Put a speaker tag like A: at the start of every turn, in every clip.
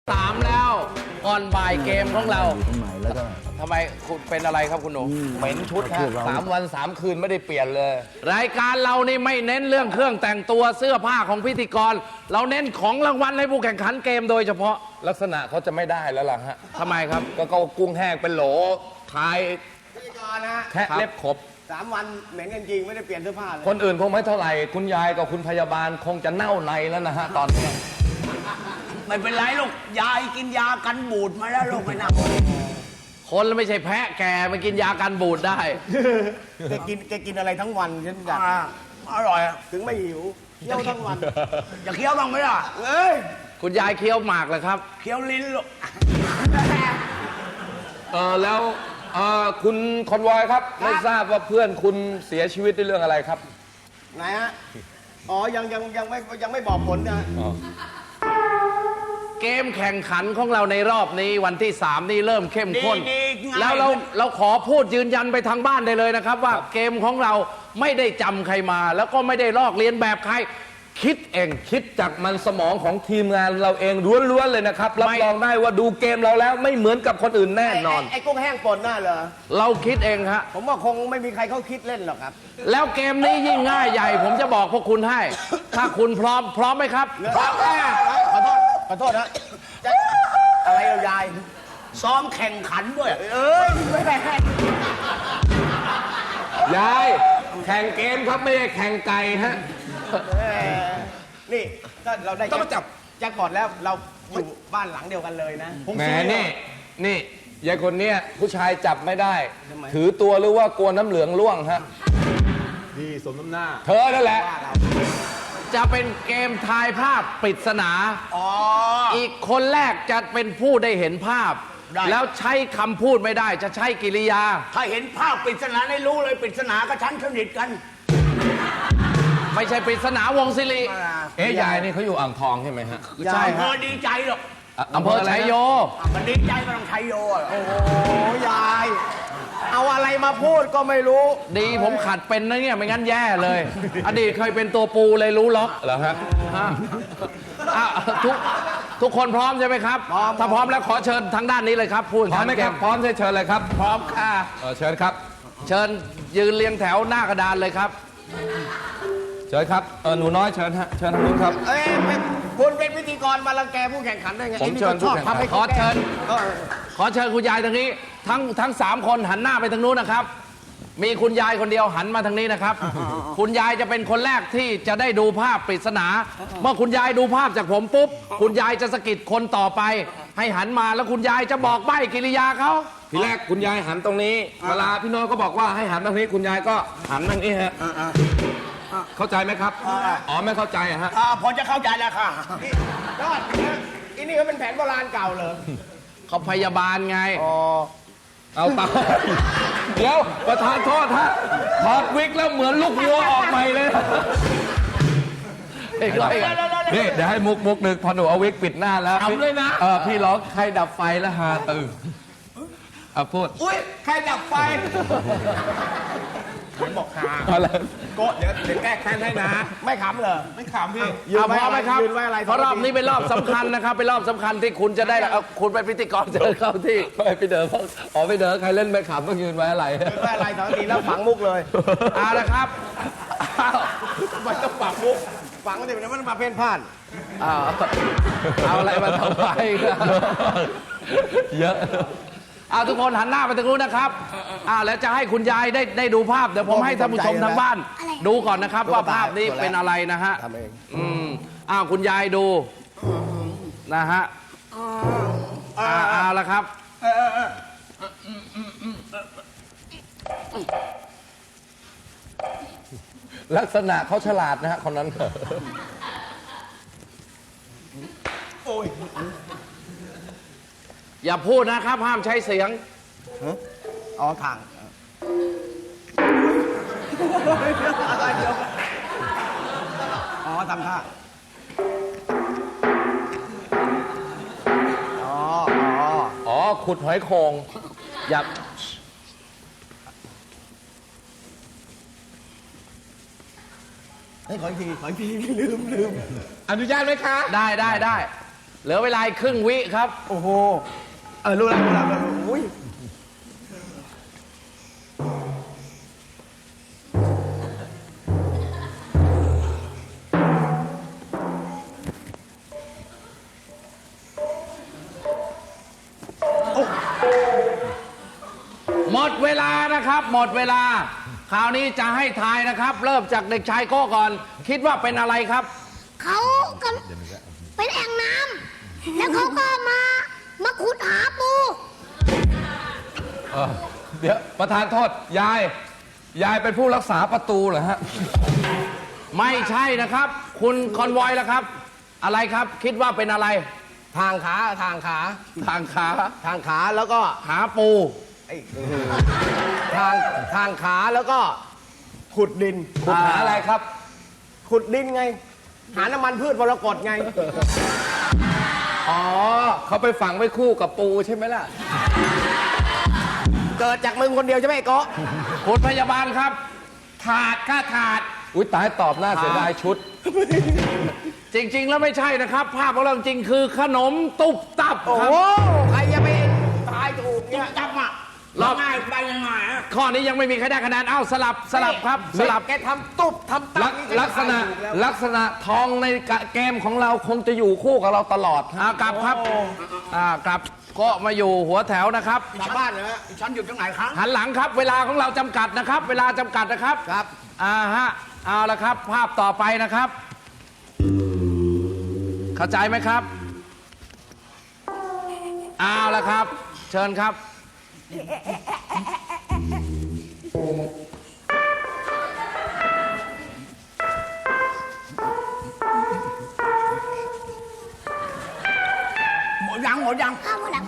A: 3แล้วก่อนบ่ายเกมของเรา
B: ตรงไหนแล้วก็
A: ทำไมคุณเป็นอะไรครับคุณหนู
C: เหม็นชุดฮะ3 วัน 3 คืนไม่ได้เปลี่ยนเลย
A: รายการเรานี่ไม่เน้นเรื่องเครื่องแต่งตัวเสื้อผ้าของพิธีกร เราเน้นของรางวัลให้ผู้แข่งขันเกมโดยเฉพาะ
C: ลักษณะเขาจะไม่ได้แล้วล่ะฮะ
A: ทำไมครับ
C: ก็กุ้งแห้งเป็นโหลทาย
D: พิธีกรนะ
C: แทะเล็บขบ
D: 3 วันเหม็นกันจริงไม่ได้เปลี่ยนเสื้อผ้าเลย
C: คนอื่นคงไม่เท่าไหร่ คุณยายกับคุณพยาบาลคงจะเน่าในแล้วนะฮะตอนนี้
E: ไม่เป็นไรลูกยายกินยากันบูดมาแล้วลูกไม่น่า
A: คนไม่ใช่แพะแกมากินยากันบูดได้
D: แกกินอะไรทั้งวันฉันอยาก
E: อร่อยอะ
D: ถึงไม่หิวเที่ยวทั้งวัน
E: อย่าเคี้ยวบ้างไหมล่ะ
D: เอ้ย
A: คุณยายเคี้ยวหมากเลยครับ
E: เคี้ยวลิ้นลูก
C: แล้วคุณคอนวอยครับไม่ทราบว่าเพื่อนคุณเสียชีวิตด้วยเรื่องอะไรครับ
D: ไหนฮะอ๋อยังไม่บอกผลนะ
A: เกมแข่งขันของเราในรอบนี้วันที่ 3 นี่เริ่มเข้มข้น แล้วเราขอพูดยืนยันไปทางบ้านได้เลยนะครับ ว่าเกมของเราไม่ได้จำใครมา แล้วก็ไม่ได้ลอกเลียนแบบใครคิดเอง
C: คิดจากมันสมองของทีมงานเราเองล้วนๆเลยนะครับรับรองได้ว่าดูเกมเราแล้วไม่เหมือนกับคนอื่นแน่นอน
D: ไอ้กุ้งแห้งป่นน่าเหรอ
A: เราคิดเองฮะ
D: ผมว่าคงไม่มีใครเขาคิดเล่นหรอกครับ
A: แล้วเกมนี้ยิ่งง่ายใหญ่ ผมจะบอกพวกคุณให้ ถ้าคุณพร้อมไหมครับ
D: ขอโทษนะจะอะไรเรายาย
E: ซ้อมแข่งขันด้วย
D: เอ้ยไม่ได้
C: ยายแข่งเกมครับไม่ได้แข่งไก่ฮะ
D: นี่ถ้าเราได้
C: ต้องมาจับ
D: แจ็คพอตแล้วเราอยู่บ้านหลังเดียวกันเลยนะ
C: แหมนี่ยายคนเนี้ยผู้ชายจับไม่ได้
D: ทำไม
C: ถือตัวหรือว่ากลัวน้ำเหลืองร่วงฮะ
B: พี่สมน้ำหน้า
C: เธอนั่นแหละ
A: จะเป็นเกมทายภาพปริศนา
E: อ๋อ
A: อีกคนแรกจะเป็นผู้ได้เห็นภาพ
E: ได้
A: แล้วใช้คำพูดไม่ได้ จะใช้กิริยา
E: ถ้าเห็นภาพปริศนาให้รู้เลยปริศนากับฉันสนิทกัน
A: ไม่ใช่ปริศนาวงศิริ
C: เอ๊ะยายนี่เขาอยู่อ่างทองใช่ไหมฮะ
A: ใช่
E: อำเภ
A: ฮะ
E: อดีใจหรอก
A: อำเภอชัยโย
E: มันดีใจก็ต้องชัยโยอะ
D: โอ้ยาย เอาอะไรมาพูดก็ไม่รู้
A: ดีผมขัดเป็นนะเนี่ยไม่งั้นแย่เลย อดีตเคยเป็นตัวปูเลยรู้ล็อก
C: เหรอฮะ
A: ฮะอ่ะทุกคนพร้อมใช่ไหมครับ ถ้าพร้อมแล้วขอเชิญทางด้านนี้เลยครับพูด
C: พร้อมไหมครับพร้อมเชิญเลยครับ
A: พร้อมค่ะ
C: เชิญครับ
A: เชิญยืนเรียงแถวหน้ากระดานเลยครับ
C: เชิญครับหนูน้อยเชิญฮะเชิญทางนู้นครับ
D: เอ้ยคุณเป็นพิธีกรมารังแกผู้แข่งขันได้ไง
C: ผม
D: ไอ้นี่
C: เชิญ
D: ชอบ
C: ผู้แข่งขัน
D: ทำให้
A: ขอเชิญ
D: เออ
A: ขอเชิญคุณยายทางนี้ ทั้ง3 คนหันหน้าไปทางนู้นนะครับ มีคุณยายคนเดียวหันมาทางนี้นะครับ คุณยายจะเป็นคนแรกที่จะได้ดูภาพปริศนา เมื่อคุณยายดูภาพจากผมปุ๊บ คุณยายจะสะกิดคนต่อไป ให้หันมาแล้วคุณยายจะบอกใบ้กิริยาเขา
C: ทีแรกคุณยายหันตรงนี้ เวลาพี่น้อยก็บอกว่าให้หันตรงนี้คุณยายก็หันตรงนี้ฮะเข้าใจไหมครับอ๋อไม่เข้าใจอะฮะ
E: พอจะเข้าใจแล้วค่ะ
D: ยอดอีนี่ก็เป็นแผนโบราณเก่าเหรอ
A: เขาพยาบาลไง
D: อ๋อ
C: เอาตาเดี๋ยวประธานโทษฮะถอดวิกแล้วเหมือนลูกวัวออกใหม่เลยนี่เดี๋ยวให้มุกหนึ่งพอหนูเอาวิกปิดหน้าแล้ว
A: ทำเลยนะ
C: พี่ร้องใครดับไฟแล้วฮาตื่นพูด
D: อุ้ยใครดับไฟผมบอกหา
C: อะไร
D: โกะเดี๋ยวแก้แค้นให้นะ ไม่ขำเหรอ ไม่ขำพี่ยืน
A: เอาพ
D: ไว้
A: ร้อมไหมครับ
D: ยืนไว้อะไร
A: เพราะรอบนี้เป็นรอบสำคัญนะครับ เป็นรอบสำคัญที่คุณจะได้เอาคุณเป็นพิธีกรเชิญเข้าที่
C: ไปเดินอ๋อไปเดินใครเล่นไม่ขำต้องยืนไว้อะไร
D: ยืนไว้อะไรสองทีแล้วฝังมุกเลย
A: เอาละครับเอา
D: มันต้องฝังมุกฝังมันจะเป็นมันมาเพ่นพ่าน
A: เอาอะไรมาทำไมครับ
C: เยอะ
A: เอาทุกคนหันหน้าไปทางนู้นนะครับแล้วจะให้คุณยายได้ดูภาพเดี๋ยวผมให้ท่านผู้ชมทางบ้าน ดูก่อนนะครับว่าภาพนี้เป็นอะไรนะฮะ
D: ทำเอง
A: คุณยายดูนะฮะเอาละครับ
C: ลักษณะเขาฉลาดนะฮะคนนั้น
D: โอ้ย
A: อย่าพูดนะครับ ห้ามใช้เสียง
D: อ๋อทางอะไรเดี๋ยวอ๋อทำท่าอ๋อ
C: ขุดหอยโขง
A: อย่า
D: ให้ขออีกทีลืม
C: อนุญาตไหมคะ
A: ได้เหลือเวลาอีกครึ่งวิครับ
D: โอ้โห รู้แล้วอุ้ย
A: หมดเวลานะครับ หมดเวลา คราวนี้จะให้ทายนะครับ เริ่มจากเด็กชายโก้ก่อน คิดว่าเป็นอะไรครับ
F: เขาก็เป็นแอ่งน้ำแล้วเขาก็มาขุดหาปู
C: เดี๋ยวประธานโทษยายเป็นผู้รักษาประตูเหรอฮะ
A: ไม่ใช่นะครับ คุณคอนวอยล่ะครับ อะไรครับ คิดว่าเป็นอะไร
D: ทางขา
A: ทางขา
D: ทางขาแล้วก็
A: หาปู
D: ทางขาแล้วก็ขุดดิน
C: คุณหาอะไรครับ
D: ขุดดินไง หาน้ำมันพืชมรกตไง
C: อ๋อเขาไปฝังไว้คู่กับปูใช่ไหมล่ะ
D: เกิดจากมึงคนเดียวใช่ไหมไอ้โกะ
A: คุณพยาบาลครับ
C: ถาดค่าถาด อุ้ยตายตอบหน้าเสียดายชุด
A: จริง ๆ แล้วไม่ใช่นะครับ ภาพของเราจริงคือขนมตุบตับ
D: โอ้
A: ครับ
D: โหใครจะไปตายถูกเนี่ย
E: จับอ่ะ
A: รอบ
E: ง่ายไปยังไงอ่ะ
A: ข้อนี้ยังไม่มีใครได้คะแนน เอ้าสลับครับ สลับ
D: แกทำตุ๊บทำตับนี่
C: ลักษณะ
D: ถูแล้ว
C: ลักษณะทองในเกมของเราคงจะอยู่คู่กับเราตลอด
A: กลับครับกลับก็มาอยู่หัวแถวนะครับ
D: กลับบ้านเหรอ
E: ฉันอยู่ตรงไหนครับ
A: หันหลังครับ เวลาของเราจำกัดนะครับ เวลาจำกัดนะครับ
D: ครับ
A: เอาละครับ ภาพต่อไปนะครับ เข้าใจไหมครับเอาละครับ เชิญครับ
E: หมดยัง
F: ข้าวหมดแล้ว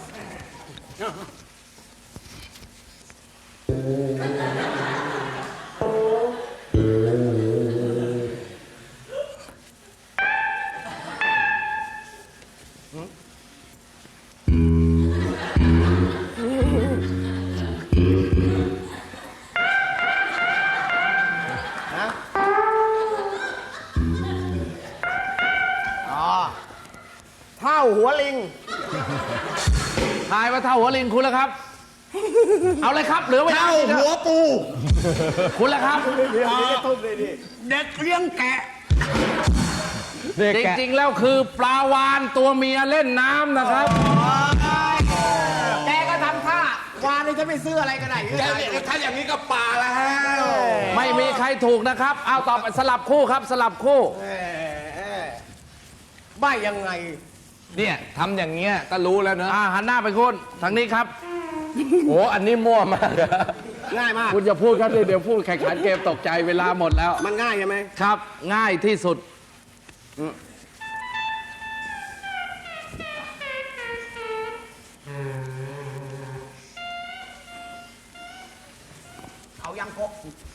D: เท่าหัวลิง
A: ทายว่าเท่าหัวลิงคุณแล้วครับ เอาเลยครับเหลือเวลา
E: เท่าหัวปู
A: คุณแล้วครับ
E: เด็กเลี้ยงแกะ
A: จริงๆแล้วคือปลาวานตัวเมียเล่นน้ำนะครับ
D: แกก็ทำท่าวานนี่ฉันไม่ซื้ออะไรก็ได้
C: ถ้าอย่างนี้ก็ป่าแล้ว
A: ไม่มีใครถูกนะครับ เอาต่อไปสลับคู่ครับ สลับคู่
D: ใบยังไง
C: เนี่ยทำอย่างเงี้ยก็รู้แล้วเนอะ
A: หันหน้าไปคุณทางนี้ครับ
C: โอ้อันนี้มั่วมาก
D: ง่ายมาก
A: คุณจะพูดครับเดี๋ยวพูดแข่งขันเกมตกใจเวลาหมดแล้ว
D: มันง่ายใช่ไหม
A: ครับ ง่ายที่สุด
D: เอายังโกะ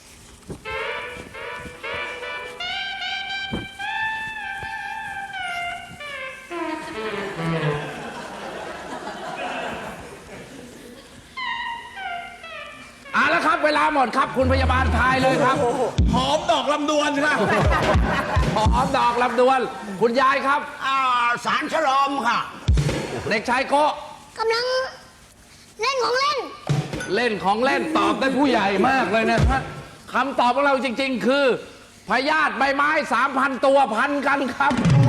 A: เอาละครับ เวลาหมดครับ คุณพยาบาลทายเลยครับ
E: หอมดอกลำดวนค่ะ
A: หอมดอกลำดวน คุณยายครับ
E: สารฉลอมค่ะ
A: เด็กชายโกะ
F: กำลังเล่นของเล่น
A: เล่นของเล่นตอบได้ผู้ใหญ่มากเลยนะครับคำตอบของเราจริง ๆ คือพยาธิใบไม้ 3,000 ตัวพันกันครับ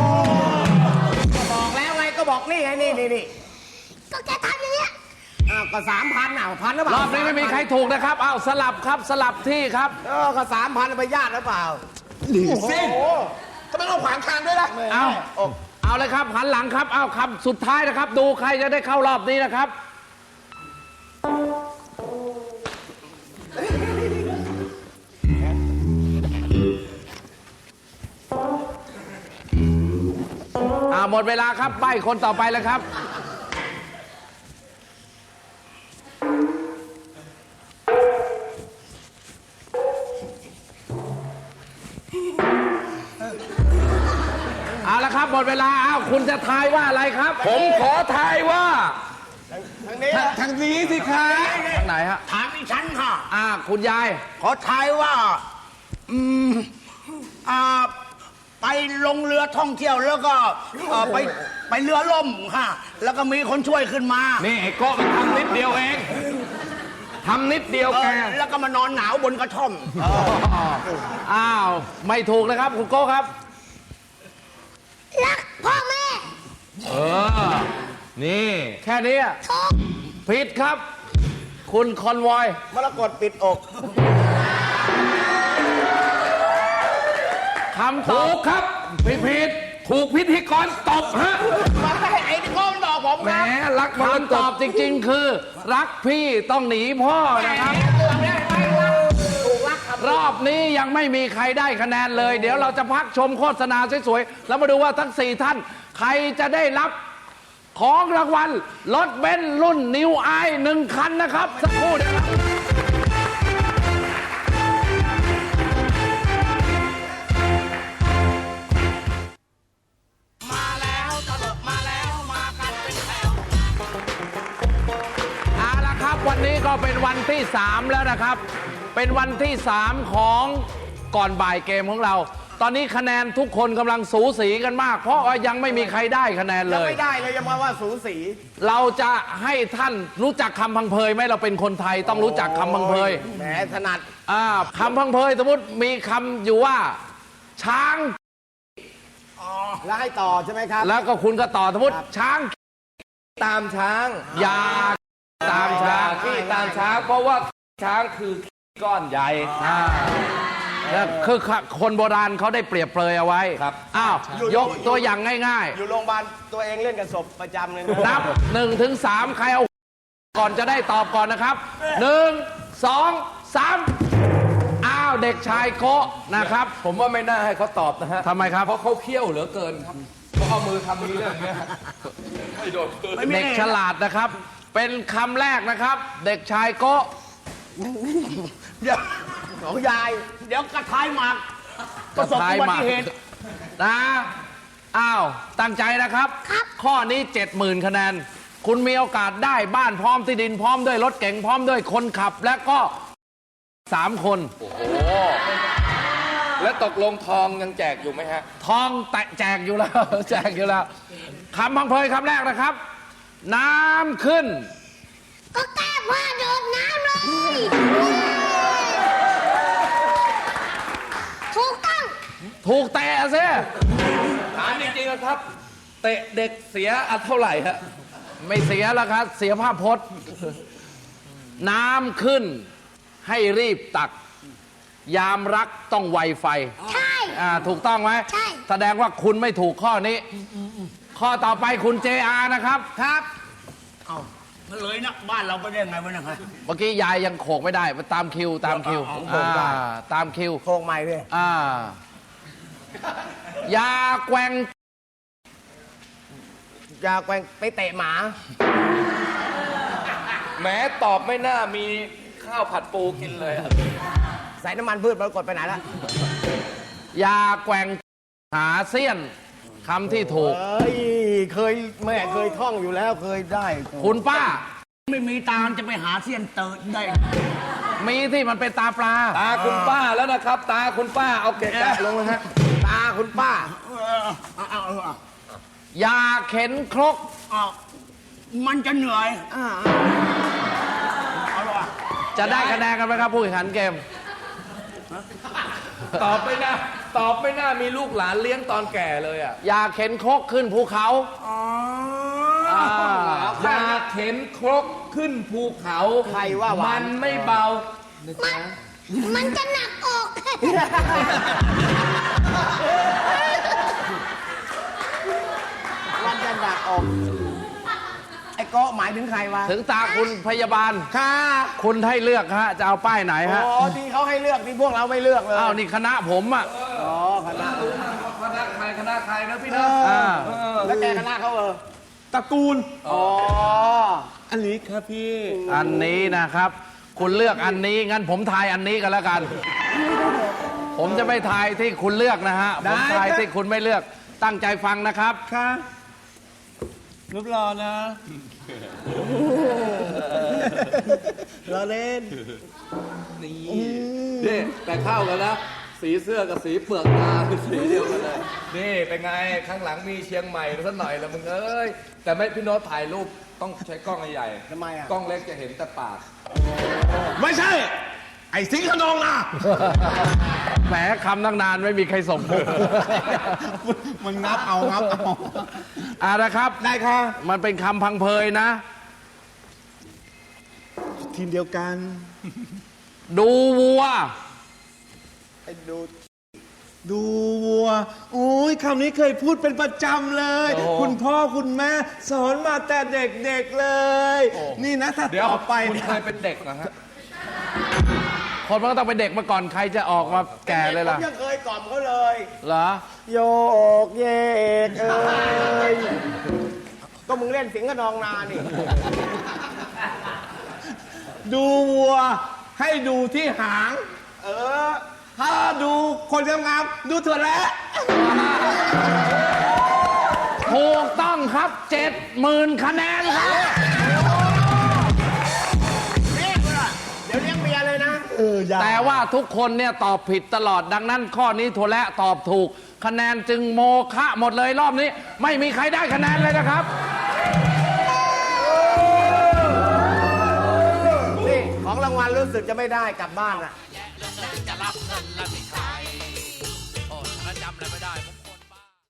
D: บอกแล้วไงก็บอกนี่ไงนี่
F: ก็แกทำอย่างเงี้ย
D: ก็3,000พันหรือเป
A: ร
D: ล่า
A: อบนี้ไม่มีใครถูกนะครับ เอาสลับครับสลับที่ครับ
D: ก็3,000ไปญาติหรือเปล่า
E: สิทำไมต้องขวางทางด้วยล่ะ
A: เอาเลยครับหันหลังครับ เอาคำสุดท้ายนะครับ ดูใครจะได้เข้ารอบนี้นะครับ หมดเวลาครับใบ้คนต่อไปแล้วครับ เอาละครับหมดเวลาอ้าวคุณจะทายว่าอะไรครับ
C: ผมขอทายว่า
D: ทางนี้
C: ทางนี้สิคะ
A: ทางไหนฮะ
E: ถามอีฉันค่ะ
A: คุณยาย
E: ขอทายว่า ปไปลงเรือท่องเที่ยวแล้วก็ไปเรือล่มค่ะแล้วก็มีคนช่วยขึ้นมา
C: นี่ไอ้โก้มันทำนิดเดียวเองทำนิดเดียวแก
E: แล้วก็มานอนหนาวบนกระท่อม
A: อ้าว ไม่ถูกนะครับ คุณโก้ครับ
F: รักพ่อแม่
C: เออ นี่
A: แค่นี้อะ
F: ถูก
A: ผิดครับ คุณคอนวอย
E: มรกตปิดอก
A: คำต
C: ถู
A: อบ
C: กครับ
A: ผิด
C: ถูกพิธีกรตบฮะ
E: ไอ้ที่โก้มันบอกผม
C: แหม
E: ครับ
C: รักมร
A: คำ
C: ก
A: ตอ
C: ต
A: บจริง ๆ คือ รักพี่ต้องหนีพ่อนะครับ รอบนี้ยังไม่มีใครได้คะแนนเลย เดี๋ยวเราจะพักชมโฆษณาสวยๆ แล้วมาดูว่าทั้ง 4 ท่าน ใครจะได้รับของรางวัลรถเบนซ์รุ่นนิวไอ1 คันนะครับ สักครู่เดียวครับ เอาละครับวันนี้ก็เป็นวันที่ 3 แล้วนะครับ เป็นวันที่ 3 ของก่อนบ่ายเกมของเรา ตอนนี้คะแนนทุกคนกำลังสูสีกันมาก เพราะว่ายังไม่มีใครได้คะแนนเลย
E: ไม่ได้เลยยังมาว่าสูสี
A: เราจะให้ท่านรู้จักคำพังเพยไหมเราเป็นคนไทยต้องรู้จักคำพังเพย
E: แหมถนัด
A: คำพังเพยสมมติมีคำอยู่ว่า ช้าง
E: แล้วให้ต่อใช่ไหมครับ
A: แล้วก็คุณก็ต่อสมมติช้าง
C: ตามช้าง
A: ยาตามช้าง
C: ขี้ตามช้าง เพราะว่าช้างคือก้อนใหญ่
A: แล้วคือคนโบราณเขาได้เปรียบเปรยเอาไว้
C: ครับ
A: อ้าว ยกตัวอย่างง่าย
E: อยู่โรงพยาบาลตัวเองเล่นกับศพประจำเลยนะ
A: ๆ นับ1 ถึง 3 ใครเอาก่อนจะได้ตอบก่อนนะครับ 1 2 3 อ้าว เด็กชายโกะนะครับ
C: ผมว่าไม่น่าให้เขาตอบนะฮะ
A: ทำไมครับ
C: เพราะเขาเขี้ยวเหลือเกินครับเขาเอามือทำนี้เลยอย่างเงี้ยไม่โดนคืน
A: เด็กฉลาดนะครับ เป็นคำแรกนะครับ เด็กชายโกะ
E: เดี๋ยวของยาย เดี๋ยวกระทายหมากประสบอุบัติเหตุ
A: นะ อ้าว ตั้งใจนะครับ ข้อนี้ 70,000 คะแนน คุณมีโอกาสได้บ้านพร้อมที่ดินพร้อมด้วยรถเก๋งพร้อมด้วยคนขับ และก็3 คน
C: แล้วตกลงทองยังแจกอยู่ไหมฮะ
A: ทองแตะแจกอยู่แล้ว แจกอยู่แล้วคำพังเพยคำแรกนะครับ น้ำขึ้น
F: ก็แก้ผ้าโดดน้ำเลย ถูกต้อง
A: ถูกแตะซิ
C: ถามจริงๆนะครับ เตะเด็กเสียอันเท่าไหร่ฮะ
A: ไม่เสียแล้วครับ เสียภาพพจน์ น้ำขึ้นให้รีบตัก ยามรักต้องไวไฟ
F: ใช่
A: ถูกต้องไหม
F: ใช่
A: แสดงว่าคุณไม่ถูกข้อนี้ ข้อต่อไปคุณ JR นะครับ
E: ครับ เอามันเลยนะบ้านเราไปได้ไงวะเนะครับ
A: เมื่อกี้ยายยังโขกไม่ได้ตามคิวตามคิว
E: เอาโขกได้
A: ตามคิว
E: โค้งใหม่เลย
A: ยาแกว่ง
E: ยาแกว่งไปเตะหมา
C: แม้ตอบไม่น่ามีข้าวผัดปูกินเลยอะ
E: ใส่น้ำมันพืชปรากฏไปไหนละ
A: ยาแกว่งหาเสี้ยนคำที่ถูก
E: เอ้ยเคยแม่เคยท่องอยู่แล้วเคยได้
A: คุณป้า
E: ไม่มีตามจะไปหาเสี้ยนเติร์ดได้
A: มีที่มันเป็นตาปลา
C: ตาคุณป้าแล้วนะครับ ตาคุณป้าเอาเกะกะลงเลยฮะ
E: ตาคุณป้า
A: ยาเข็นครก
E: มันจะเหนื่อย
A: จะได้คะแนนกันไหมครับผู้แข่งขันเกม
C: ตอบไม่น่ามีลูกหลานเลี้ยงตอนแก่เลยอ่ะ
A: ยาเข็นครกขึ้นภูเขา
C: อยาเข็นครกขึ้นภูเขา
E: ใครว่าหวาน
C: มันไม่เบา
F: มันจะหนักอก
E: วันจะดักออก ไอ้โกะหมายถึงใครวะ
A: ถึงตาคุณพยาบาล
E: ค่ะ
A: คุณให้เลือกฮะ จะเอาป้ายไหนฮะ
E: อ๋อที่เขาให้เลือกที่พวกเราไม่เลือกเลย
A: อ้าวนี่คณะผมอ่ะ
E: อ๋อคณะ
C: คณะใครนะพี่นะ
E: แล้วแกคณะเขาตระกูล อ๋อ อันนี้ครับพี่
A: อันนี้นะครับ คุณเลือกอันนี้งั้นผมทายอันนี้กันแล้วกัน ผมจะไม่ทายที่คุณเลือกนะฮะ ผมทายที่คุณไม่เลือก ตั้งใจฟังนะครับ
E: ค่ะรูปรอนะรอเล่น
C: นี่แต่เข้ากันแล้วสีเสื้อกับสีเปลือกตาคือสีเดียวกันเลย นี่เป็นไง ข้างหลังมีเชียงใหม่สักหน่อยละมึงเอ้ย แต่ไม่พี่โน้ตถ่ายรูปต้องใช้กล้องใหญ่ๆ
E: ทำไมอ่ะ
C: กล้องเล็กจะเห็นแต่ปาก
B: ไม่ใช่ ไอ้สิงห์ขนองนะ
A: แหมคำตั้งนานไม่มีใครส่งมุก
B: มันงับเอางับเอา
A: นะครับ
B: ได้ค่ะ
A: มันเป็นคำพังเพยนะ
B: ทีมเดียวกัน
A: ดูวัว
B: ดูวัว โอ้ยคำนี้เคยพูดเป็นประจำเลย
A: โอ้
B: คุณพ่อคุณแม่สอนมาแต่เด็กๆเลย นี่นะถ้า
C: เดี๋ยว
B: ต่อไป
C: คุณ
B: เนี่ย
C: เคยเป็นเด็กเหรอฮะ
A: คนมันก็ต้องเป็นเด็กมาก่อนใครจะออกมาแก่เลยล่ะ
E: ผมยังเคยกล่อมเขาเลย
A: เหรอ
E: โยกเยกเอ้ยก็มึงเล่นสิงห์กับนองนานี่
B: ดูวัว ให้ดูที่หาง
E: เออ
B: ถ้าดูคนงามๆดูถั่วแล้ว
A: ถูกต้องครับ 70,000 คะแนนครับ
E: เรียกเลยเดี๋ยวเลี้ยงเมียเลยนะ
A: แต่ว่าทุกคนเนี่ยตอบผิดตลอดดังนั้น ข้อนี้ถั่วและตอบถูก คะแนนจึงโมฆะหมดเลยรอบนี้ ไม่มีใครได้คะแนนเลยนะครับ
E: นี่ของรางวัลรู้สึกจะไม่ได้กลับบ้านอ่ะ